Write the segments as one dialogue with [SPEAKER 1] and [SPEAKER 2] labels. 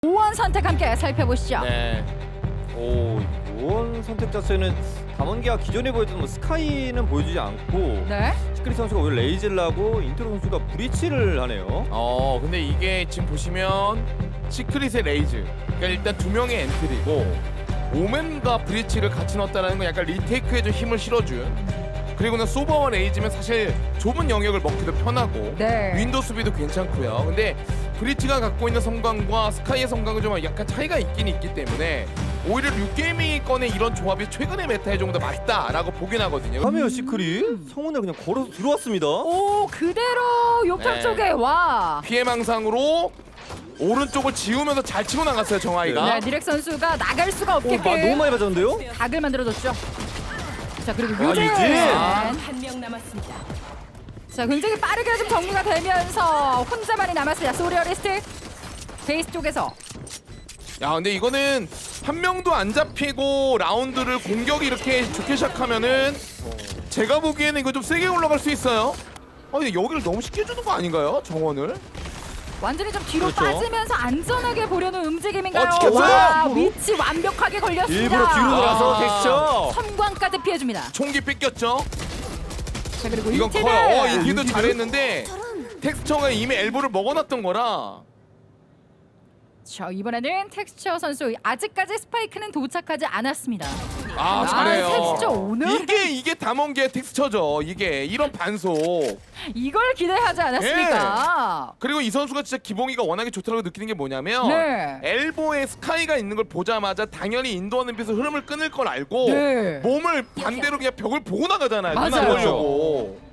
[SPEAKER 1] 오원 선택 함께 살펴보시죠.
[SPEAKER 2] 네.
[SPEAKER 3] 이번 선택 자체는 담원기가 기존에 보였던 스카이는 보여주지 않고
[SPEAKER 1] 네.
[SPEAKER 3] 시크릿 선수가 오히려 레이즐라고 인트로 선수가 브리치를 하네요.
[SPEAKER 2] 근데 이게 지금 보시면 시크릿의 레이즈. 그러니까 일단 두 명의 엔트리고 오맨과 브리치를 같이 넣었다는 건 약간 리테이크에 좀 힘을 실어준. 그리고는 소바와 레이즈면 사실 좁은 영역을 먹기도 편하고
[SPEAKER 1] 네.
[SPEAKER 2] 윈도우 수비도 괜찮고요. 근데 브리치가 갖고 있는 성광과 스카이의 성광은 좀 약간 차이가 있긴 있기 때문에 오히려 류게임이 꺼낸 이런 조합이 최근의 메타에 좀 더 맞다라고 보긴 하거든요.
[SPEAKER 3] 카메어 시크릿 성운에 그냥 걸어서 들어왔습니다.
[SPEAKER 1] 오 그대로 욕탕
[SPEAKER 2] 네.
[SPEAKER 1] 쪽에 와.
[SPEAKER 2] 피해망상으로 오른쪽을 지우면서 잘 치고 나갔어요 정하이가.
[SPEAKER 1] 네, 니렉 선수가 나갈 수가
[SPEAKER 3] 너무
[SPEAKER 1] 없게끔
[SPEAKER 3] 많이 맞았는데요?
[SPEAKER 1] 각을 만들어줬죠. 자 그리고
[SPEAKER 3] 유진!
[SPEAKER 1] 유진.
[SPEAKER 4] 한 명 남았습니다.
[SPEAKER 1] 자 굉장히 빠르게 좀 정리가 되면서 혼자만이 남았습니다. 소리어리스트 베이스 쪽에서.
[SPEAKER 2] 야 근데 이거는 한 명도 안 잡히고 라운드를 공격이 이렇게 좋게 시작하면은 제가 보기에는 이거 좀 세게 올라갈 수 있어요. 근데 여기를 너무 쉽게 주는 거 아닌가요 정원을?
[SPEAKER 1] 완전히 좀 뒤로
[SPEAKER 3] 그렇죠.
[SPEAKER 1] 빠지면서 안전하게 보려는 움직임인가요?
[SPEAKER 2] 지켰어요.
[SPEAKER 1] 와 위치 완벽하게 걸렸습니다.
[SPEAKER 3] 일부러 뒤로 돌아서 텍스처.
[SPEAKER 1] 섬광까지 피해줍니다.
[SPEAKER 2] 총기 뺏겼죠?
[SPEAKER 1] 자 그리고
[SPEAKER 2] 이건
[SPEAKER 1] 인티드.
[SPEAKER 2] 커요. 인티도 잘했는데 텍스처가 이미 엘보를 먹어놨던 거라.
[SPEAKER 1] 자 이번에는 텍스처 선수 아직까지 스파이크는 도착하지 않았습니다.
[SPEAKER 2] 잘해요.
[SPEAKER 1] 텍스처 오늘
[SPEAKER 2] 이게 담원기의 텍스처죠. 이게 이런 반속.
[SPEAKER 1] 이걸 기대하지 않았습니까?
[SPEAKER 2] 그리고 이 선수가 진짜 기봉이가 워낙에 좋다고 느끼는 게 뭐냐면
[SPEAKER 1] 네.
[SPEAKER 2] 엘보에 스카이가 있는 걸 보자마자 당연히 인도하는 빛에서 흐름을 끊을 걸 알고
[SPEAKER 1] 네.
[SPEAKER 2] 몸을 반대로 그냥 벽을 보고 나가잖아요.
[SPEAKER 1] 맞아요.
[SPEAKER 2] 눈 안 보려고.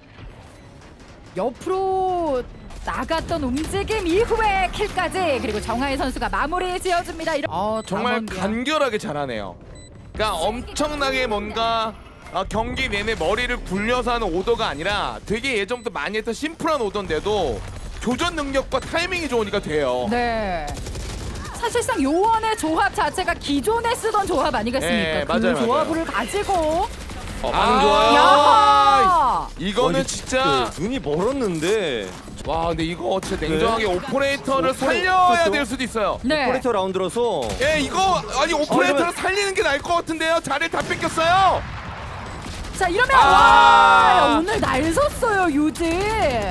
[SPEAKER 1] 옆으로 나갔던 움직임 이후에 킬까지 그리고 정하희 선수가 마무리 지어줍니다.
[SPEAKER 2] 정말
[SPEAKER 1] 담원기야.
[SPEAKER 2] 간결하게 잘하네요. 그러니까 엄청나게 뭔가 경기 내내 머리를 굴려서 하는 오더가 아니라 되게 예전부터 많이 했던 심플한 오더인데도 교전 능력과 타이밍이 좋으니까 돼요.
[SPEAKER 1] 네. 사실상 요원의 조합 자체가 기존에 쓰던 조합 아니겠습니까?
[SPEAKER 2] 네,
[SPEAKER 1] 그
[SPEAKER 2] 맞아요,
[SPEAKER 1] 조합을 가지고
[SPEAKER 3] 반응 좋아요.
[SPEAKER 1] 야!
[SPEAKER 2] 이거는 진짜
[SPEAKER 3] 눈이 멀었는데
[SPEAKER 2] 와 근데 이거 진짜 냉정하게
[SPEAKER 3] 네.
[SPEAKER 2] 오퍼레이터를
[SPEAKER 3] 그렇죠.
[SPEAKER 2] 살려야 될 수도 있어요.
[SPEAKER 1] 네.
[SPEAKER 3] 포레터 라운드라서
[SPEAKER 2] 이거 아니 오퍼레이터를
[SPEAKER 3] 이러면-
[SPEAKER 2] 살리는 게 나을 것 같은데요. 자리를 다 뺏겼어요.
[SPEAKER 1] 자 이러면
[SPEAKER 2] 아!
[SPEAKER 1] 와 오늘 날 섰어요 유진.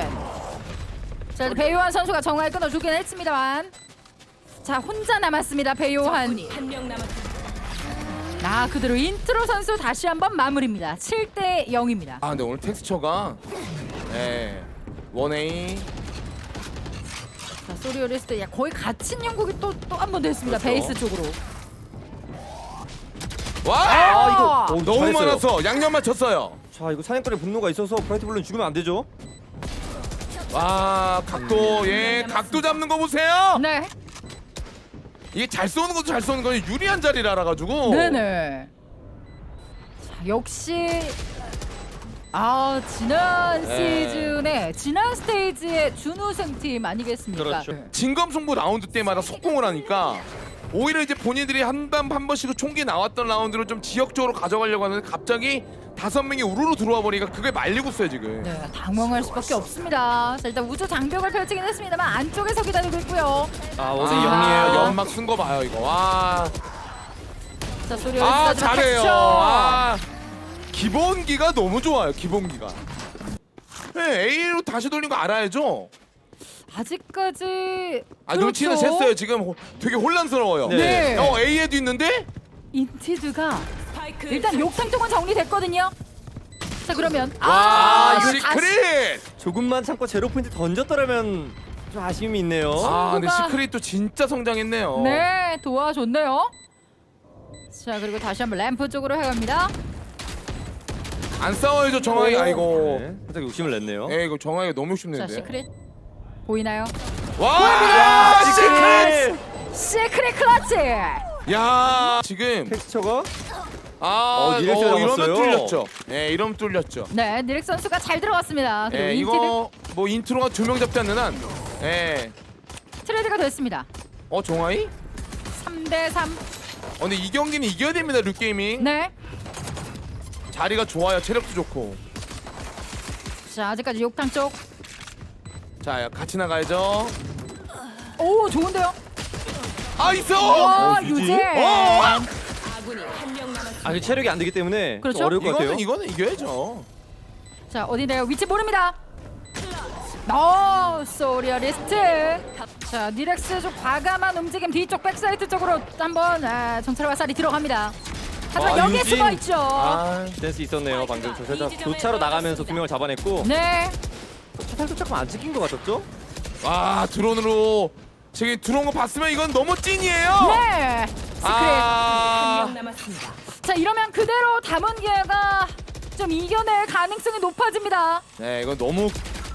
[SPEAKER 1] 자 배요한 선수가 정말 끊어주긴 했습니다만 자 혼자 남았습니다 배요한.
[SPEAKER 4] 적군이 한 명 남았습니다.
[SPEAKER 1] 그대로 인트로 선수 다시 한번 마무리입니다. 7대 0입니다.
[SPEAKER 2] 근데 오늘 텍스처가 원A
[SPEAKER 1] 자 소리오리스트 거의 갇힌 영국이 또 한 번 됐습니다.
[SPEAKER 3] 그렇죠.
[SPEAKER 1] 베이스 쪽으로.
[SPEAKER 2] 와
[SPEAKER 1] 이거
[SPEAKER 2] 너무
[SPEAKER 3] 잘했어요.
[SPEAKER 2] 많아서 양념 맞췄어요.
[SPEAKER 3] 자 이거 사냥꾼의 분노가 있어서 브라이트 블루는 죽으면 안 되죠.
[SPEAKER 2] 와 각도 각도 잡는 거 보세요.
[SPEAKER 1] 네.
[SPEAKER 2] 이게 잘 쏘는 것도 잘 쏘는 거지 유리한 자리를 알아가지고.
[SPEAKER 1] 네네. 자, 역시 지난
[SPEAKER 3] 네.
[SPEAKER 1] 시즌에 지난 스테이지의 준우승 팀 아니겠습니까?
[SPEAKER 3] 그렇죠.
[SPEAKER 2] 진검승부 라운드 때마다 속공을 하니까 오히려 이제 본인들이 한 번씩 총기 나왔던 라운드를 좀 지역적으로 가져가려고 하는데 갑자기 5명이 우르르 들어와 버리니까 그게 말리고 있어요 지금.
[SPEAKER 1] 네, 당황할 수밖에 없습니다. 자, 일단 우주 장벽을 펼치긴 했습니다만 안쪽에서 기다리고 있고요.
[SPEAKER 3] 원숭이
[SPEAKER 1] 아.
[SPEAKER 3] 영리해요.
[SPEAKER 2] 연막 쓴 거 봐요 이거. 와.
[SPEAKER 1] 자, 소리오리스트
[SPEAKER 2] 잘해요. 기본기가 너무 좋아요. 기본기가. 네, A로 다시 돌린 거 알아야죠.
[SPEAKER 1] 아직까지
[SPEAKER 2] 눈치는
[SPEAKER 1] 그렇죠.
[SPEAKER 2] 챘어요. 지금 되게 혼란스러워요.
[SPEAKER 1] 네.
[SPEAKER 2] A에도 있는데?
[SPEAKER 1] 인티드가
[SPEAKER 4] 스파이크
[SPEAKER 1] 일단 욕탕 쪽은 정리됐거든요. 자, 그러면
[SPEAKER 2] 와,
[SPEAKER 1] 이거
[SPEAKER 2] 시크릿!
[SPEAKER 3] 조금만 참고 제로 포인트 던졌더라면 좀 아쉬움이 있네요.
[SPEAKER 2] 근데
[SPEAKER 1] 친구가-
[SPEAKER 2] 시크릿도 진짜 성장했네요.
[SPEAKER 1] 네, 도와줬네요. 자, 그리고 다시 한번 램프 쪽으로 해갑니다.
[SPEAKER 2] 안 싸워야죠, 정황이. 아이고.
[SPEAKER 3] 네, 살짝 욕심을 냈네요.
[SPEAKER 2] 이거 정황이가 너무
[SPEAKER 1] 자,
[SPEAKER 2] 욕심내는데.
[SPEAKER 1] 시크릿 보이나요?
[SPEAKER 2] 와! 시크릿!
[SPEAKER 1] 시크릿 클러치!
[SPEAKER 2] 야, 지금
[SPEAKER 3] 텍스처가
[SPEAKER 2] 이러면
[SPEAKER 3] 잡았어요.
[SPEAKER 2] 뚫렸죠. 네, 이러면 뚫렸죠.
[SPEAKER 1] 네, 니렉 선수가 잘 들어갔습니다. 그리고 인티드
[SPEAKER 2] 이거 뭐 인트로가 2명 잡지 않는 한.
[SPEAKER 1] 트레이드가 됐습니다.
[SPEAKER 2] 정황이?
[SPEAKER 1] 3대 3.
[SPEAKER 2] 근데 이 경기는 이겨야 됩니다, 류게이밍.
[SPEAKER 1] 네.
[SPEAKER 2] 자리가 좋아요, 체력도 좋고.
[SPEAKER 1] 자, 아직까지 욕탕 쪽.
[SPEAKER 2] 자, 같이 나가야죠.
[SPEAKER 1] 오, 좋은데요?
[SPEAKER 2] 아 있어.
[SPEAKER 1] 와
[SPEAKER 3] 유진.
[SPEAKER 1] 유진.
[SPEAKER 4] 아군이 한 명 남았습니다.
[SPEAKER 3] 아, 그 체력이 안 되기 때문에
[SPEAKER 1] 그렇죠.
[SPEAKER 3] 좀 어려울 것 같아요.
[SPEAKER 2] 이거는 이겨야죠.
[SPEAKER 1] 자 어디래요? 위치 모릅니다. 소리어리스트. 자 니렉스 좀 과감한 움직임 뒤쪽 백사이트 쪽으로 한번 정찰 화살이 들어갑니다. 하지만 여기에
[SPEAKER 3] 유진.
[SPEAKER 1] 숨어 있죠.
[SPEAKER 3] 센스 있었네요. 방금 저 살짝 교차로 나가면서 두 명을 잡아냈고
[SPEAKER 1] 네.
[SPEAKER 3] 화살도 조금 안 찍힌 것 같았죠?
[SPEAKER 2] 와 드론으로 지금 들어온 거 봤으면 이건 너무 찐이에요.
[SPEAKER 1] 네. 시크릿.
[SPEAKER 4] 한
[SPEAKER 2] 아
[SPEAKER 4] 명 남았습니다.
[SPEAKER 1] 자 이러면 그대로 담원기아가 좀 이겨낼 가능성이 높아집니다.
[SPEAKER 2] 네 이건 너무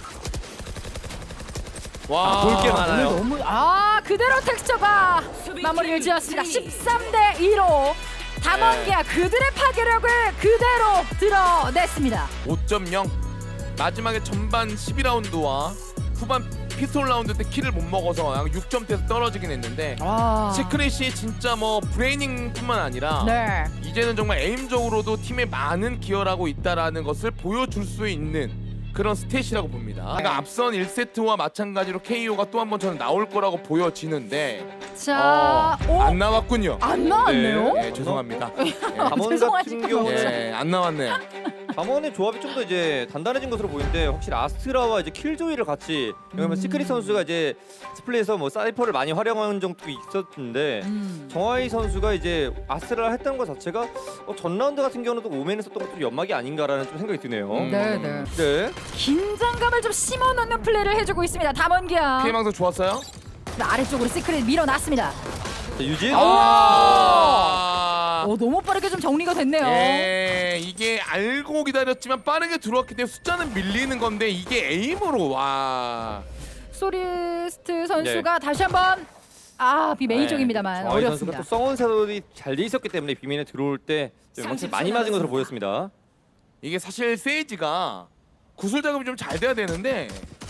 [SPEAKER 2] 와
[SPEAKER 3] 볼 게 많아요.
[SPEAKER 1] 너무 그대로 텍스처가 마무리를 지었습니다. 13대 2로 담원기아 그들의 파괴력을 그대로 드러냈습니다.
[SPEAKER 2] 5.0 마지막에 전반 12라운드와 후반 피스톨 라운드 때 킬을 못 먹어서 6점대에서 떨어지긴 했는데 시크릿이 진짜 뭐 브레이닝뿐만 아니라
[SPEAKER 1] 네.
[SPEAKER 2] 이제는 정말 에임적으로도 팀에 많은 기여를 하고 있다라는 것을 보여줄 수 있는 그런 스탯이라고 봅니다. 그러니까 앞선 1세트와 마찬가지로 KO가 또 한 번 저는 나올 거라고 보여지는데
[SPEAKER 1] 자,
[SPEAKER 2] 안 나왔군요.
[SPEAKER 1] 안 나왔네요.
[SPEAKER 2] 네, 죄송합니다.
[SPEAKER 3] 담원 같은
[SPEAKER 1] 죄송하지만
[SPEAKER 3] 경우는
[SPEAKER 2] 네, 안 나왔네요.
[SPEAKER 3] 담원의 조합이 좀 더 이제 단단해진 것으로 보이는데 확실히 아스트라와 이제 킬조이를 같이 왜냐면 시크릿 선수가 이제 스플릿에서 뭐 사이퍼를 많이 활용하는 적도 있었는데 정하이 선수가 이제 아스트라를 했다는 것 자체가 전 라운드 같은 경우는 또 오맨에서 또 연막이 아닌가라는 좀 생각이 드네요.
[SPEAKER 1] 네, 네.
[SPEAKER 3] 네.
[SPEAKER 1] 긴장감을 좀 심어놓는 플레이를 해주고 있습니다. 담원기아.
[SPEAKER 2] 피해망상 좋았어요?
[SPEAKER 1] 아래쪽으로 시크릿 밀어놨습니다.
[SPEAKER 3] 자, 유진.
[SPEAKER 1] 너무 빠르게 좀 정리가 됐네요.
[SPEAKER 2] 예, 이게 알고 기다렸지만 빠르게 들어왔기 때문에 숫자는 밀리는 건데 이게 에임으로 와.
[SPEAKER 1] 소리스트 선수가 다시 한번 비메인 쪽입니다만
[SPEAKER 3] 정하이 선수가
[SPEAKER 1] 어렵습니다.
[SPEAKER 3] 또 성원 사돌이 잘 돼 있었기 때문에 비민에 들어올 때 확실히 많이 맞은 것으로 보였습니다.
[SPEAKER 2] 이게 사실 세이지가 구슬 작업이 좀 잘 돼야 되는데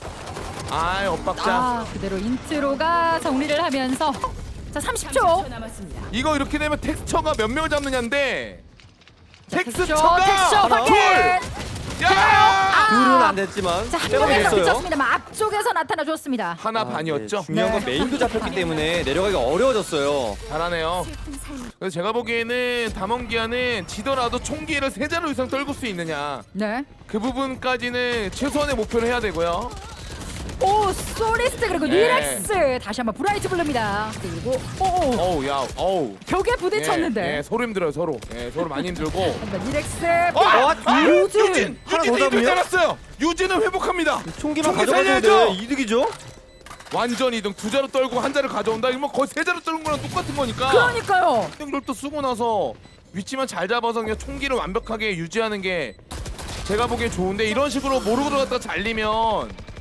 [SPEAKER 2] 엇박자.
[SPEAKER 1] 그대로 인트로가 정리를 하면서 자 30초.
[SPEAKER 4] 30초 남았습니다.
[SPEAKER 2] 이거 이렇게 되면 텍스처가 몇 명을 잡느냐인데
[SPEAKER 1] 텍스처
[SPEAKER 2] 텍스처가
[SPEAKER 1] 확인.
[SPEAKER 2] 야!
[SPEAKER 3] 둘은 안 됐지만
[SPEAKER 1] 자한
[SPEAKER 3] 빼먹이
[SPEAKER 1] 명에서
[SPEAKER 3] 됐어요.
[SPEAKER 1] 그쳤습니다만 앞쪽에서 나타나 줬습니다.
[SPEAKER 2] 하나 반이었죠?
[SPEAKER 3] 네, 중요한 건
[SPEAKER 1] 네.
[SPEAKER 3] 메인도 잡혔기 때문에 내려가기 어려워졌어요.
[SPEAKER 2] 잘하네요. 그래서 제가 보기에는 담원기아는 지더라도 총기를 3자루 이상 떨굴 수 있느냐
[SPEAKER 1] 네.
[SPEAKER 2] 그 부분까지는 최소한의 목표를 해야 되고요.
[SPEAKER 1] 소리스트 그리고
[SPEAKER 2] 네.
[SPEAKER 1] 리렉스 다시 한번 브라이트 블루입니다. 그리고
[SPEAKER 2] 어우 야 어우.
[SPEAKER 1] 벽에 부딪혔는데.
[SPEAKER 2] 서로 힘들어요 서로. 서로 많이 힘들고.
[SPEAKER 1] 리렉스
[SPEAKER 2] 유진!
[SPEAKER 3] 하나 더
[SPEAKER 2] 유진이
[SPEAKER 3] 잡으면?
[SPEAKER 2] 잡았어요. 유진은 회복합니다.
[SPEAKER 3] 총기만
[SPEAKER 2] 총기
[SPEAKER 3] 가져가도
[SPEAKER 2] 살려야죠.
[SPEAKER 3] 이득이죠.
[SPEAKER 2] 완전 이등 2자루 떨고 1자루 가져온다. 이러면 거의 3자루 떨는 거랑 똑같은 거니까.
[SPEAKER 1] 그러니까요.
[SPEAKER 2] 또 쓰고 나서 위치만 잘 잡아서 그냥 총기를 완벽하게 유지하는 게 제가 보기엔 좋은데 이런 식으로 모르고 들어갔다가 잘리면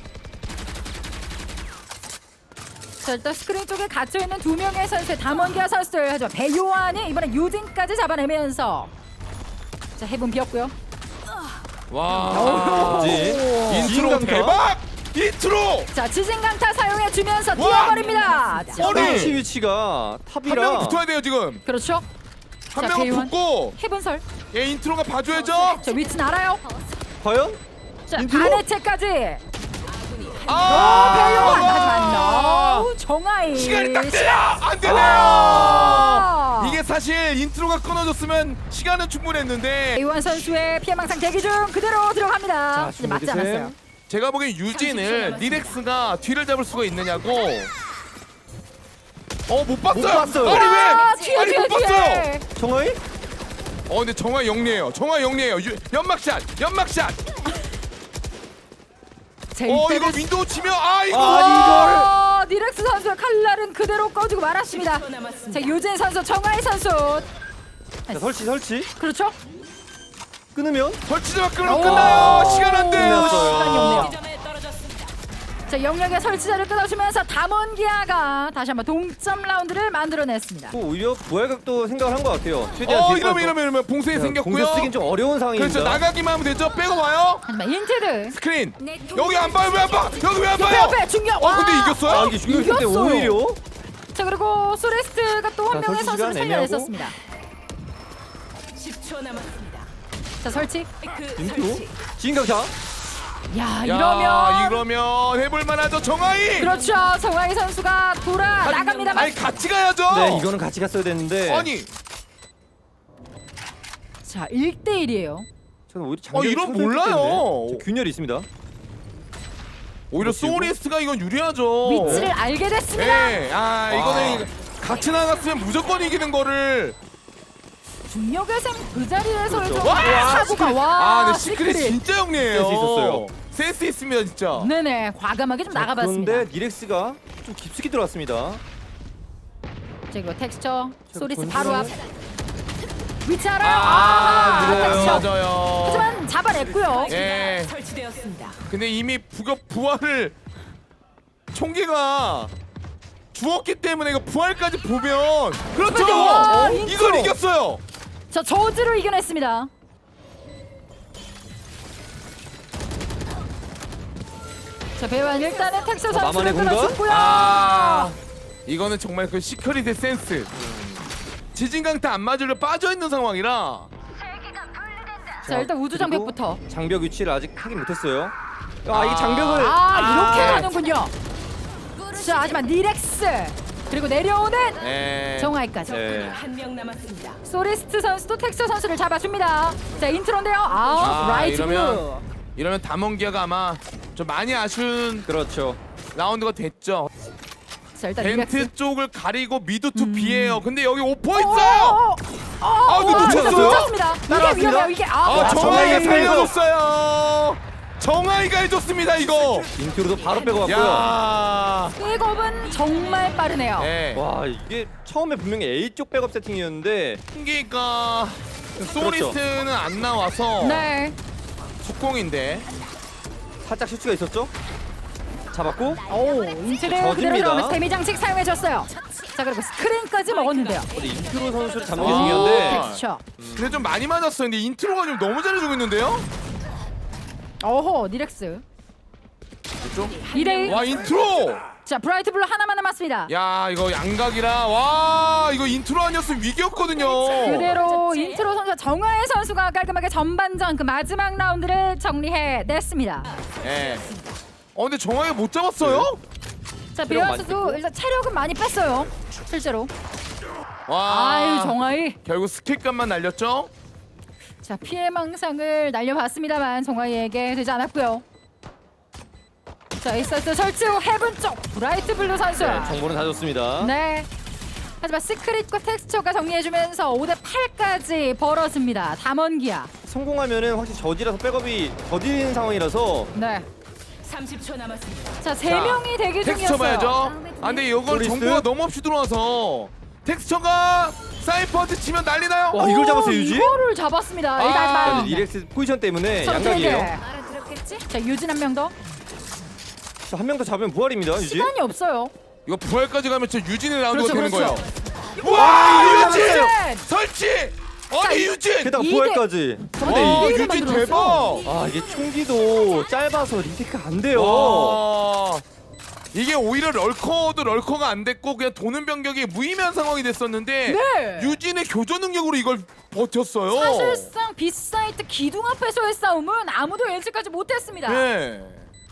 [SPEAKER 1] 자 일단 스크린 쪽에 갇혀있는 2명의 선수의 담원기아 선수들 하지만 배요한이 이번에 유진까지 잡아내면서 자 해븐 비었고요.
[SPEAKER 2] 와 인트로
[SPEAKER 3] 지진강타?
[SPEAKER 2] 대박! 인트로!
[SPEAKER 1] 자 지진강타 사용해주면서
[SPEAKER 2] 와!
[SPEAKER 1] 뛰어버립니다. 자,
[SPEAKER 2] 아니!
[SPEAKER 3] 위치가
[SPEAKER 2] 한
[SPEAKER 3] 탑이라
[SPEAKER 2] 명 붙어야 돼요 지금.
[SPEAKER 1] 그렇죠.
[SPEAKER 2] 한
[SPEAKER 1] 자,
[SPEAKER 2] 명은
[SPEAKER 1] 배우한.
[SPEAKER 2] 붙고
[SPEAKER 1] 해븐설.
[SPEAKER 2] 얘 인트로가 봐줘야죠.
[SPEAKER 1] 자 위치는 알아요.
[SPEAKER 3] 과연?
[SPEAKER 1] 자
[SPEAKER 3] 인트로?
[SPEAKER 1] 반해체까지.
[SPEAKER 2] 아!
[SPEAKER 1] 배요한 하지만 정하이.
[SPEAKER 2] 시간이 딱 돼요. 안 되네요.
[SPEAKER 1] 아!
[SPEAKER 2] 이게 사실 인트로가 끊어졌으면 시간은 충분했는데
[SPEAKER 1] 배요한 선수의 피해망상 대기 중 그대로 들어갑니다. 이제 맞지 않았어요.
[SPEAKER 2] 제가 보기엔 유진을 리렉스가 뒤를 잡을 수가 있느냐고. 못 봤어요.
[SPEAKER 3] 못 봤어요.
[SPEAKER 2] 아니 왜?
[SPEAKER 1] 뒤에
[SPEAKER 2] 아니
[SPEAKER 1] 뒤에
[SPEAKER 2] 못 봤어요.
[SPEAKER 1] 뒤에.
[SPEAKER 3] 정하이?
[SPEAKER 2] 근데 정화 영리해요. 정화 영리해요. 연막샷, 연막샷.
[SPEAKER 1] 자,
[SPEAKER 2] 이거
[SPEAKER 1] 이때는
[SPEAKER 2] 윈도우 치면 이거.
[SPEAKER 1] 니렉스 선수의 칼날은 그대로 꺼지고 말았습니다.
[SPEAKER 4] 10초 남았습니다.
[SPEAKER 1] 자 유진 선수, 정하이 선수.
[SPEAKER 3] 자, 설치.
[SPEAKER 1] 그렇죠?
[SPEAKER 3] 끊으면
[SPEAKER 2] 설치자만 끊으면 끝나요. 시간 안 돼요.
[SPEAKER 3] 끝났어요.
[SPEAKER 1] 시간이 없네요.
[SPEAKER 4] 지점에 떨어졌습니다.
[SPEAKER 1] 자 영역의 설치자를 끊어주면서 담원기아가 다시 한번 동점 라운드를 만들어냈습니다.
[SPEAKER 3] 또 오히려 부활각도 생각을 한 것 같아요. 최대한
[SPEAKER 2] 이러면 봉쇄 생겼고요.
[SPEAKER 3] 공격 쓰긴 좀 어려운 상황입니다.
[SPEAKER 2] 그렇죠. 나가기만 하면 되죠. 빼고 와요.
[SPEAKER 1] 하지만 인테드
[SPEAKER 2] 스크린. 여기 안 봐요. 왜 안 봐? 여기 왜 안 봐요?
[SPEAKER 1] 옆에 중력.
[SPEAKER 2] 근데 이겼어요?
[SPEAKER 3] 이게 중요할 때
[SPEAKER 1] 이겼어요.
[SPEAKER 3] 오히려
[SPEAKER 1] 자 그리고 소레스트가 또 한
[SPEAKER 3] 자,
[SPEAKER 1] 명의
[SPEAKER 3] 설치
[SPEAKER 1] 선수를
[SPEAKER 3] 시간
[SPEAKER 1] 살려냈었습니다.
[SPEAKER 4] 10초 남았습니다.
[SPEAKER 1] 자 설치.
[SPEAKER 4] 그
[SPEAKER 3] 인트로
[SPEAKER 4] 설치.
[SPEAKER 3] 지인강타
[SPEAKER 1] 야,
[SPEAKER 2] 야,
[SPEAKER 1] 이러면
[SPEAKER 2] 이러면 해볼 만하죠 정하이.
[SPEAKER 1] 그렇죠. 정하이 선수가 돌아 나갑니다만.
[SPEAKER 2] 아니 같이 가야죠.
[SPEAKER 3] 네, 이거는 같이 갔어야 되는데.
[SPEAKER 2] 아니
[SPEAKER 1] 자, 1대1이에요.
[SPEAKER 3] 저는 오히려 장벽이
[SPEAKER 2] 이런
[SPEAKER 3] 쳐져 있기
[SPEAKER 2] 몰라요.
[SPEAKER 3] 때문에 저 균열이 있습니다.
[SPEAKER 2] 오히려 소리스트가 이건 유리하죠.
[SPEAKER 1] 위치를 알게 됐습니다.
[SPEAKER 2] 예. 이거는 같이 나갔으면 무조건 이기는 거를.
[SPEAKER 1] 중력의 샘 그 자리에서
[SPEAKER 3] 그렇죠.
[SPEAKER 1] 사고가 와.
[SPEAKER 2] 근데 시크릿 진짜 영리해요.
[SPEAKER 3] 센스 있었어요.
[SPEAKER 2] 센스 있습니다 진짜.
[SPEAKER 1] 네네, 과감하게 좀 나가봤습니다.
[SPEAKER 3] 그런데 니렉스가 좀 깊숙이 들어왔습니다.
[SPEAKER 1] 자, 그리고 텍스처 소리스
[SPEAKER 3] 던지면은-
[SPEAKER 1] 바로 앞. 위치 알아요.
[SPEAKER 3] 밀어요.
[SPEAKER 1] 텍스처.
[SPEAKER 2] 맞아요.
[SPEAKER 1] 하지만 잡아냈고요.
[SPEAKER 2] 예.
[SPEAKER 4] 설치되었습니다.
[SPEAKER 2] 근데 이미 부활을 총기가 죽었기 때문에 이거 부활까지 보면 그렇죠.
[SPEAKER 1] 와,
[SPEAKER 2] 이걸
[SPEAKER 1] 인트로.
[SPEAKER 2] 이겼어요.
[SPEAKER 1] 자, 저지를 이겨냈습니다. 자, 배우한 일단은 텍스 선수를
[SPEAKER 3] 나만의 공간?
[SPEAKER 1] 끊어줬고요.
[SPEAKER 2] 이거는 정말 그 시크릿의 센스. 지진강타 안 맞으려 빠져 있는 상황이라.
[SPEAKER 1] 자, 일단 우주
[SPEAKER 3] 그리고
[SPEAKER 1] 장벽부터.
[SPEAKER 3] 장벽 위치를 아직 확인 못했어요. 이게 장벽을
[SPEAKER 1] 이렇게 가는군요. 자, 하지만 니렉스 그리고 내려오는
[SPEAKER 2] 네.
[SPEAKER 1] 정하이까지.
[SPEAKER 3] 네.
[SPEAKER 4] 한 명 남았습니다.
[SPEAKER 1] 소리스트 선수도 텍스 선수를 잡아줍니다. 자, 인트로인데요. 라이트 블루.
[SPEAKER 2] 이러면 담원기아가 아마 좀 많이 아쉬운
[SPEAKER 3] 그렇죠.
[SPEAKER 2] 라운드가 됐죠.
[SPEAKER 1] 자, 일단 니렉스.
[SPEAKER 2] 벤트 쪽을 가리고 미드 투 B예요. 근데 여기 오퍼 있어요. 이거 놓쳤어요?
[SPEAKER 1] 놓쳤습니다. 이게
[SPEAKER 3] 따라왔습니다.
[SPEAKER 1] 위험해요. 이게
[SPEAKER 2] 정하이가
[SPEAKER 3] 정하이가
[SPEAKER 2] 살려줬어요. 정하이가 해줬습니다 이거.
[SPEAKER 3] 인트로도 바로 빼고 갔고요.
[SPEAKER 2] 야.
[SPEAKER 1] 백업은 정말 빠르네요.
[SPEAKER 2] 네.
[SPEAKER 3] 와, 이게 처음에 분명히 A 쪽 백업 세팅이었는데
[SPEAKER 2] 승기가 소리스트는 안 나와서
[SPEAKER 1] 네.
[SPEAKER 2] 속공인데.
[SPEAKER 3] 살짝 실수가 있었죠. 잡았고
[SPEAKER 1] 오, 인트를
[SPEAKER 3] 저집니다.
[SPEAKER 1] 그대로 들어오면서 데미 장식 사용해줬어요. 자, 그리고 스크린까지 먹었는데요.
[SPEAKER 3] 근데 인트로 선수를 잡는 게
[SPEAKER 2] 아.
[SPEAKER 3] 중요한데
[SPEAKER 1] 그렇죠.
[SPEAKER 2] 근데 좀 많이 맞았어요. 근데 인트로가 좀 너무 잘해주고 있는데요?
[SPEAKER 1] 어허, 니렉스.
[SPEAKER 2] 그렇죠?
[SPEAKER 1] 2대1.
[SPEAKER 2] 와 인트로!
[SPEAKER 1] 자, 브라이트 블루 하나만 남았습니다.
[SPEAKER 2] 야 이거 양각이라 와 이거 인트로 아니었으면 위기였거든요.
[SPEAKER 1] 그대로 인트로 선수 정하혜 선수가 깔끔하게 전반전 그 마지막 라운드를 정리해냈습니다.
[SPEAKER 2] 예. 근데 정확하게 못 잡았어요?
[SPEAKER 1] 자,
[SPEAKER 3] 체력
[SPEAKER 1] 비안
[SPEAKER 3] 많이
[SPEAKER 1] 선수
[SPEAKER 3] 뺐고.
[SPEAKER 1] 일단 체력은 많이 뺐어요. 실제로.
[SPEAKER 2] 와.
[SPEAKER 1] 아유, 정하혜.
[SPEAKER 2] 결국 스킬값만 날렸죠?
[SPEAKER 1] 자, 피해 망상을 날려봤습니다만 정하혜에게 되지 않았고요. 자, 에이서스 설치 후 헤븐 쪽 브라이트 블루 선수.
[SPEAKER 3] 네, 정보는 다 줬습니다.
[SPEAKER 1] 네. 하지만 시크릿과 텍스처가 정리해주면서 5대8까지 벌어집니다. 담원기아.
[SPEAKER 3] 성공하면은 확실히 저지라서 백업이 더딘 상황이라서
[SPEAKER 1] 네.
[SPEAKER 4] 30초 남았습니다.
[SPEAKER 1] 자, 3명이 대기
[SPEAKER 2] 텍스처
[SPEAKER 1] 중이었어요.
[SPEAKER 2] 봐야죠. 이데 이걸
[SPEAKER 3] 소리스?
[SPEAKER 2] 정보가 너무 없이 들어와서 텍스처가 사이퍼한테 치면 난리나요?
[SPEAKER 3] 와, 이걸 잡았어요, 유지?
[SPEAKER 1] 이거를 잡았습니다. 일단
[SPEAKER 2] 아,
[SPEAKER 1] 하지만
[SPEAKER 3] 근데 니렉스 포지션 때문에
[SPEAKER 1] 선택.
[SPEAKER 3] 양각이에요.
[SPEAKER 1] 알아들었겠지? 자, 유진 한 명 더.
[SPEAKER 3] 한 명 더 잡으면 부활입니다, 유지.
[SPEAKER 1] 시간이 없어요.
[SPEAKER 2] 이거 부활까지 가면 진짜 유진의 라운드가
[SPEAKER 1] 그렇죠,
[SPEAKER 2] 되는
[SPEAKER 1] 그렇죠.
[SPEAKER 2] 거예요. 와 유진!
[SPEAKER 1] 유진!
[SPEAKER 2] 설치! 아니 유진!
[SPEAKER 3] 게다가
[SPEAKER 1] 이게-
[SPEAKER 3] 부활까지.
[SPEAKER 1] 근데
[SPEAKER 2] 와
[SPEAKER 1] 이대일을
[SPEAKER 2] 유진
[SPEAKER 1] 만들었어.
[SPEAKER 2] 대박!
[SPEAKER 3] 아, 이게 총기도 짧아서 리테크 안 돼요.
[SPEAKER 2] 와. 이게 오히려 럴커도 럴커가 안 됐고 그냥 도는 병력이 무의미한 상황이 됐었는데
[SPEAKER 1] 네.
[SPEAKER 2] 유진의 교전 능력으로 이걸 버텼어요.
[SPEAKER 1] 사실상 빗사이트 기둥 앞에서의 싸움은 아무도 예측하지 못했습니다.
[SPEAKER 2] 네.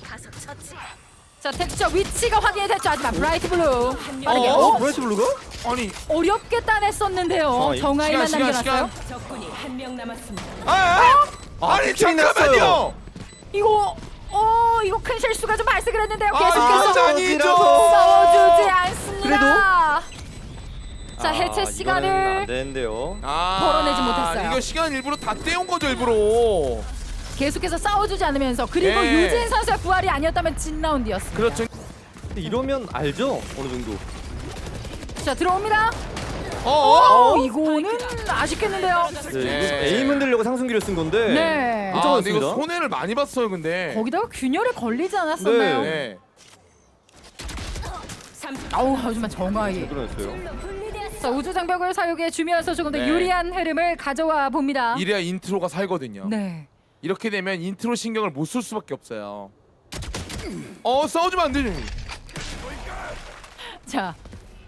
[SPEAKER 1] 자, 텍스처 위치가 확인이 됐죠. 하지만 브라이트 블루 빠르게
[SPEAKER 3] 브라이트 블루가?
[SPEAKER 2] 아니
[SPEAKER 1] 어렵게 따냈었는데요. 정하이만
[SPEAKER 2] 시간,
[SPEAKER 1] 남겨놨어요.
[SPEAKER 4] 적군이 한 명 남았습니다.
[SPEAKER 2] 아니
[SPEAKER 3] 픽처인
[SPEAKER 2] 잠깐만요.
[SPEAKER 3] 났어요.
[SPEAKER 1] 이거 큰 실수가 좀 발생을 했는데요.
[SPEAKER 2] 아,
[SPEAKER 1] 계속해서
[SPEAKER 2] 이거 아니죠.
[SPEAKER 1] 싸워주지 않습니다.
[SPEAKER 3] 그래도?
[SPEAKER 1] 자, 해체
[SPEAKER 3] 이거는 안
[SPEAKER 1] 시간을
[SPEAKER 3] 되는데요.
[SPEAKER 1] 벌어내지 못했어요.
[SPEAKER 2] 이거 시간 일부러 다 떼온 거죠 일부러.
[SPEAKER 1] 계속해서 싸워주지 않으면서 그리고
[SPEAKER 2] 네.
[SPEAKER 1] 유진 선수의 부활이 아니었다면 진 라운드였습니다.
[SPEAKER 2] 그렇죠.
[SPEAKER 3] 근데 이러면 알죠? 어느 정도.
[SPEAKER 1] 자, 들어옵니다. 이거는 아쉽겠는데요.
[SPEAKER 3] 네,
[SPEAKER 2] 네.
[SPEAKER 3] 이거 에임 흔들려고 상승기를 쓴 건데.
[SPEAKER 1] 네.
[SPEAKER 3] 못
[SPEAKER 2] 근데 이거
[SPEAKER 3] 잡았습니다.
[SPEAKER 2] 손해를 많이 봤어요 근데.
[SPEAKER 1] 거기다가 균열에 걸리지 않았었나요?
[SPEAKER 2] 네.
[SPEAKER 1] 하지만 정하이.
[SPEAKER 3] 그러냈어요.
[SPEAKER 1] 자, 우주 장벽을 사용해 주면서 조금 더
[SPEAKER 2] 네.
[SPEAKER 1] 유리한 흐름을 가져와 봅니다.
[SPEAKER 2] 이래야 인트로가 살거든요.
[SPEAKER 1] 네.
[SPEAKER 2] 이렇게 되면 인트로 신경을 못 쓸 수밖에 없어요. 싸우지면 안 되지.
[SPEAKER 1] 자,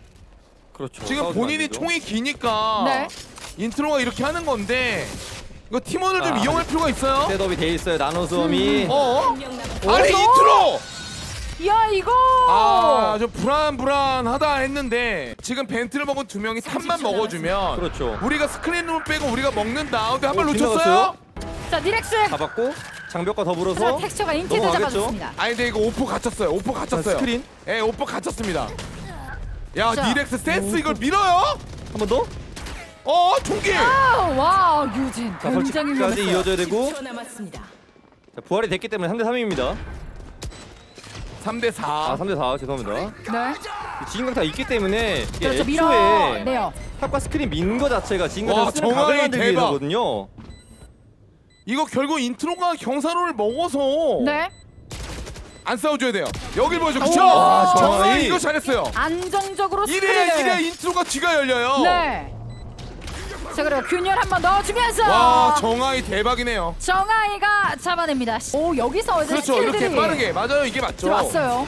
[SPEAKER 3] 그렇죠.
[SPEAKER 2] 지금
[SPEAKER 3] 싸우면 안
[SPEAKER 2] 본인이
[SPEAKER 3] 되죠.
[SPEAKER 2] 총이 기니까
[SPEAKER 1] 네.
[SPEAKER 2] 인트로가 이렇게 하는 건데 이거 팀원을 좀
[SPEAKER 3] 아,
[SPEAKER 2] 이용할 필요가 있어요.
[SPEAKER 3] 셋업이 돼 있어요. 나노 수험이.
[SPEAKER 2] 어?
[SPEAKER 4] 한명 남았습니다.
[SPEAKER 2] 아니 인트로!
[SPEAKER 1] 야 이거
[SPEAKER 2] 좀 불안하다 했는데 지금 벤트를 먹은 두 명이 탑만 먹어주면
[SPEAKER 3] 그렇죠.
[SPEAKER 2] 우리가 스크린룸 빼고 우리가 먹는다. 근데 한 발 놓쳤어요?
[SPEAKER 3] 빗나갔어요?
[SPEAKER 1] 자 니렉스
[SPEAKER 3] 잡았고 장벽과
[SPEAKER 1] 자
[SPEAKER 3] 더불어서
[SPEAKER 1] 텍스처가 인티드
[SPEAKER 3] 넘어가겠죠?
[SPEAKER 1] 잡아줬습니다.
[SPEAKER 2] 아니 근데 이거 오퍼 갇혔어요. 오퍼
[SPEAKER 3] 자,
[SPEAKER 2] 갇혔어요.
[SPEAKER 3] 스크린
[SPEAKER 2] 예, 오퍼 갇혔습니다. 야,
[SPEAKER 1] 자.
[SPEAKER 2] 니렉스 센스 이걸 밀어요?
[SPEAKER 3] 한 번 더.
[SPEAKER 2] 총기!
[SPEAKER 1] 와 유진
[SPEAKER 3] 자,
[SPEAKER 1] 굉장히
[SPEAKER 3] 설치까지
[SPEAKER 1] 위험했어요.
[SPEAKER 3] 이어져야 되고
[SPEAKER 4] 10초 남았습니다.
[SPEAKER 3] 자, 부활이 됐기 때문에 3대 3입니다.
[SPEAKER 2] 3대 4.
[SPEAKER 3] 아 3대 4 죄송합니다.
[SPEAKER 1] 네
[SPEAKER 3] 지진강타 있기 때문에 이게
[SPEAKER 1] 그렇죠
[SPEAKER 3] 애초에
[SPEAKER 1] 밀어내요.
[SPEAKER 3] 탑과 스크린 민 거 자체가
[SPEAKER 2] 와,
[SPEAKER 3] 지진강타 쓰는
[SPEAKER 2] 정확히
[SPEAKER 3] 각을 만들기
[SPEAKER 2] 대박.
[SPEAKER 3] 위해서거든요.
[SPEAKER 2] 이거 결국 인트로가 경사로를 먹어서
[SPEAKER 1] 네
[SPEAKER 2] 안 싸워줘야 돼요. 여길 보여줘. 그쵸?
[SPEAKER 1] 와,
[SPEAKER 2] 정말
[SPEAKER 3] 정확히.
[SPEAKER 2] 이거 잘했어요.
[SPEAKER 1] 안정적으로
[SPEAKER 2] 이래
[SPEAKER 1] 스크린을
[SPEAKER 2] 인트로가 뒤가 열려요.
[SPEAKER 1] 네. 자 그리고 균열 한번 넣어주면서
[SPEAKER 2] 와, 정아이 대박이네요.
[SPEAKER 1] 정아이가 잡아냅니다. 오 여기서 이제
[SPEAKER 2] 그렇죠.
[SPEAKER 1] 스킬들이
[SPEAKER 2] 이렇게 빠르게. 맞아요. 이게 맞죠.
[SPEAKER 1] 들어왔어요.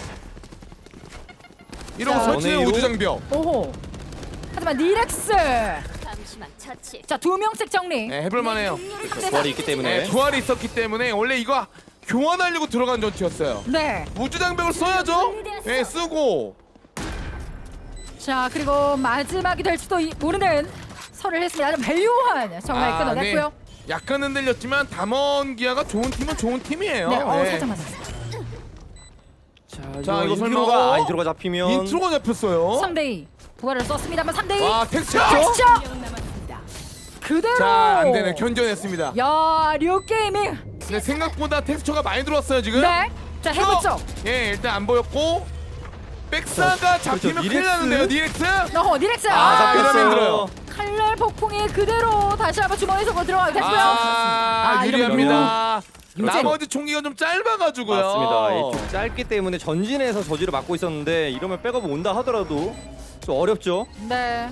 [SPEAKER 2] 이러고
[SPEAKER 1] 자,
[SPEAKER 2] 설치는
[SPEAKER 3] 원웨이로.
[SPEAKER 2] 우주장벽.
[SPEAKER 1] 오호. 하지만 니렉스
[SPEAKER 5] 잠시만 처치.
[SPEAKER 1] 자 2명씩 정리.
[SPEAKER 2] 네, 해볼만해요.
[SPEAKER 3] 부활이 있기 때문에
[SPEAKER 2] 네, 부활이 있었기 때문에 원래 이거 교환하려고 들어간 전투였어요.
[SPEAKER 1] 네.
[SPEAKER 2] 우주장벽을 써야죠. 네, 쓰고.
[SPEAKER 1] 자 그리고 마지막이 될 수도 모르는 설을 했습니다. 아주 밸류한 정말 끊어냈고요.
[SPEAKER 2] 네. 약간 흔들렸지만 담원 기아가 좋은 팀은 좋은 팀이에요.
[SPEAKER 1] 네,
[SPEAKER 2] 네.
[SPEAKER 1] 살짝 맞았어요.
[SPEAKER 3] 자
[SPEAKER 2] 이거 설마-
[SPEAKER 3] 인트로가 인트로가 잡히면
[SPEAKER 2] 인트로가 잡혔어요.
[SPEAKER 1] 3대2 부활을 썼습니다만 3대2
[SPEAKER 2] 와, 텍스처.
[SPEAKER 1] 텍스처
[SPEAKER 4] 한명 남았습니다.
[SPEAKER 1] 그대로.
[SPEAKER 2] 자, 안 되네. 견뎌냈습니다.
[SPEAKER 1] 야 류게이밍.
[SPEAKER 2] 근데 생각보다 텍스처가 많이 들어왔어요, 지금.
[SPEAKER 1] 네. 자 해보죠.
[SPEAKER 2] 예, 일단 안 보였고. 백사가 잡히면 큰일
[SPEAKER 3] 니렉스.
[SPEAKER 2] 나는데요, 니렉스.
[SPEAKER 1] 니렉스.
[SPEAKER 3] 아
[SPEAKER 2] 이러면
[SPEAKER 3] 잡혔어요.
[SPEAKER 2] 힘들어요.
[SPEAKER 1] 칼날 폭풍이 그대로 다시 한번 주머니 속으로 들어가게 됐고요.
[SPEAKER 2] 유리합니다.
[SPEAKER 1] 이러면
[SPEAKER 2] 나머지 총기가 좀 짧아가지고요.
[SPEAKER 3] 맞습니다. 좀 짧기 때문에 전진해서 저지를 막고 있었는데 이러면 백업 온다 하더라도 좀 어렵죠.
[SPEAKER 1] 네.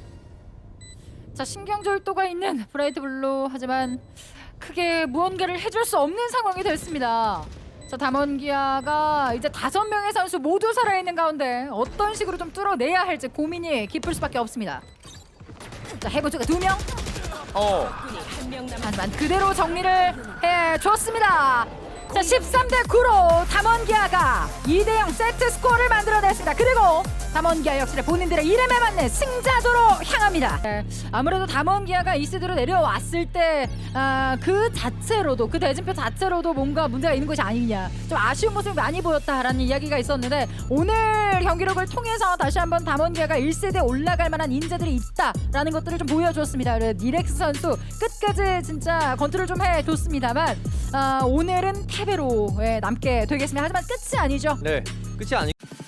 [SPEAKER 1] 자 신경절도가 있는 브라이트 블루 하지만 크게 무언가를 해줄 수 없는 상황이 됐습니다. 자 담원기아가 이제 5명의 선수 모두 살아있는 가운데 어떤 식으로 좀 뚫어내야 할지 고민이 깊을 수밖에 없습니다. 자 해보조가 2명
[SPEAKER 4] 적군이 한명 남았습니다.
[SPEAKER 1] 하지만 그대로 정리를 해줬습니다. 자 13대 9로 담원기아가 2대0 세트 스코어를 만들어냈습니다. 그리고 담원기아 역시 본인들의 이름에 맞는 승자도로 향합니다. 네, 아무래도 담원기아가 2세트로 내려왔을 때 그 자체로도 그 대진표 자체로도 뭔가 문제가 있는 것이 아니냐 좀 아쉬운 모습이 많이 보였다라는 이야기가 있었는데 오늘 경기력을 통해서 다시 한번 담원기아가 1세대에 올라갈 만한 인재들이 있다라는 것들을 좀 보여줬습니다. 니렉스 선수 끝까지 진짜 컨트롤 좀 해줬습니다만 오늘은 패배로 남게 되겠습니다. 하지만 끝이 아니죠.
[SPEAKER 3] 네, 끝이 아니.